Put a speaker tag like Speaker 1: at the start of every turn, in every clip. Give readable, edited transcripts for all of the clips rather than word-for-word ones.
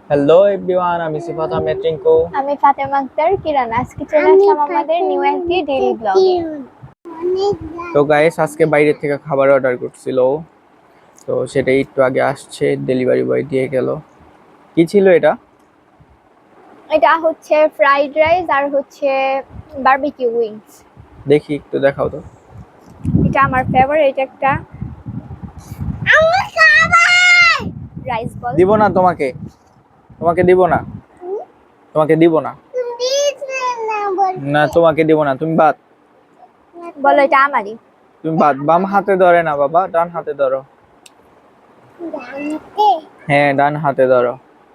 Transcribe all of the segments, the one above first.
Speaker 1: Hello everyone, আমি সিফাত আহমেদ টিঙ্কু।
Speaker 2: আমি ফাতেমা আক্তার কিরণ। আজকে চলে আসলাম আমাদের নিউ একটি ডেইলি ব্লগে।
Speaker 1: তো গাইস, আজকে বাইরে থেকে খাবার অর্ডার করছিল, তো সেটাই একটু আগে আসছে, ডেলিভারি বয় দিয়ে গেল। কি ছিল এটা?
Speaker 2: এটা হচ্ছে ফ্রাইড রাইস আর হচ্ছে বারবিকিউ উইংস।
Speaker 1: দেখি, একটু দেখাও তো।
Speaker 2: এটা আমার ফেভারিট একটা রাইস বল।
Speaker 1: দিব না তোমাকে, তোমাকে দিব না, তোমাকে দিব না, না তোমাকে দিব না। তুমি বাদ,
Speaker 2: বলো এটা আমারই।
Speaker 1: তুমি বাদ। বাম হাতে ধরে না বাবা, ডান হাতে ধরো। হ্যাঁ, ডান হাতে ধরো।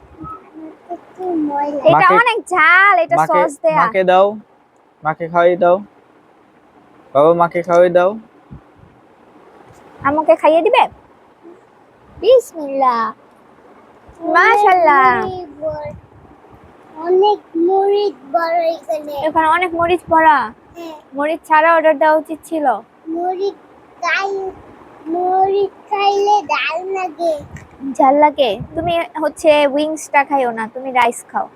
Speaker 2: এটা অনেক ঝাল, এটা
Speaker 1: মাকে
Speaker 2: সস দেয়া।
Speaker 1: মাকে দাও, মাকে খাওয়াই দাও বাবা, মাকে খাওয়াই দাও।
Speaker 2: আমাকে খাইয়ে দিবে? বিসমিল্লাহ, মাশাআল্লাহ।
Speaker 3: অনেক মরিচ বড় এখানে।
Speaker 2: এখানে অনেক মরিচ ভরা। মরিচ ছাড়া অর্ডার দেওয়া উচিত ছিল।
Speaker 3: মরিচ খাইলে ডাল লাগে।
Speaker 2: ঝাল লাগে? তুমি হচ্ছে উইংসটা খাইও না, তুমি রাইস খাও।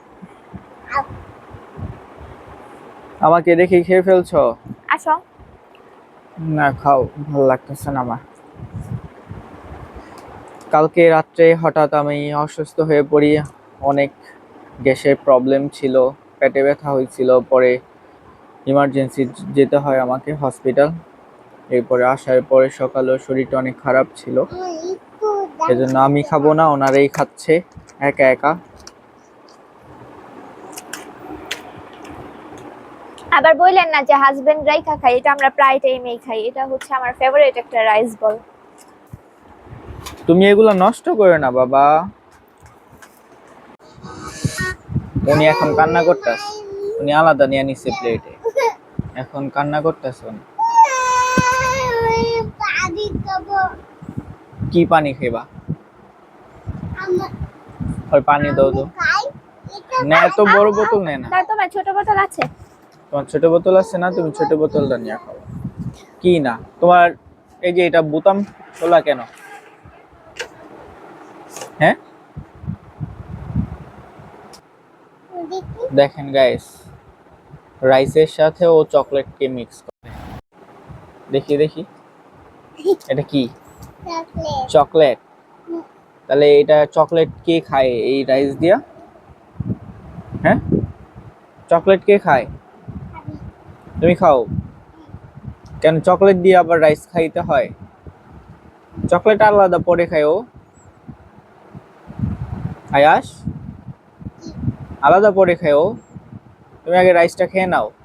Speaker 1: আমাকে দেখে খেয়ে ফেলছো?
Speaker 2: আসো।
Speaker 1: না, খাও, ভালো লাগতেছে না আমার। কালকে রাত্রে হঠাৎ আমি অসুস্থ হয়ে পড়ি। অনেক গ্যাসের প্রবলেম ছিল, পেটে ব্যথা হয়েছিল, পরে ইমার্জেন্সি যেতে হয় আমাকে হসপিটাল। এরপরে আসার পরে সকালেও শরীরটা অনেক খারাপ ছিল, এজন্য আমি খাবো না, ওনারাই খাচ্ছে একা একা।
Speaker 2: আবার বললেন না যে হাজবেন্ড রাইখা খাই, এটা আমরা প্রায় টাইমেই খাই। এটা হচ্ছে আমার ফেভারিট একটা রাইস বল।
Speaker 1: তুমি এগুলো নষ্ট করো না বাবা। উনি এখন কান্না করতেছে, উনি আলাদা নিয়ে নিচ্ছে প্লেটে, এখন কান্না করতেছে উনি।
Speaker 3: পানি খাবো।
Speaker 1: কি পানি খেবা?
Speaker 3: আমার
Speaker 1: ওই পানি দাও তো।
Speaker 3: খাই।
Speaker 1: না, এত বড় বোতল নেই না।
Speaker 2: না, তোমার ছোট বোতল আছে?
Speaker 1: তোমার ছোট বোতল আছে না, তুমি ছোট বোতলটা নিয়ে খাও। কি না তোমার? এই যে এটা বোতাম খোলা কেন? হ্যাঁ, দেখেন গাইস, রাইসের সাথে ও চকলেটকে মিক্স করে। দেখি দেখি, এটা কি?
Speaker 3: চকলেট।
Speaker 1: চকলেট? তাহলে এটা চকলেট কে খায় এই রাইস দিয়া? হ্যাঁ, চকলেট কে খায়? তুমি খাও কেন? চকলেট দিয়ে আবার রাইস খাইতে হয়? চকলেট আলাদা পরে খায় ও। আয়াস, আলাদা পরে খায় ও। তুমি আগে রাইসটা খেয়ে নাও।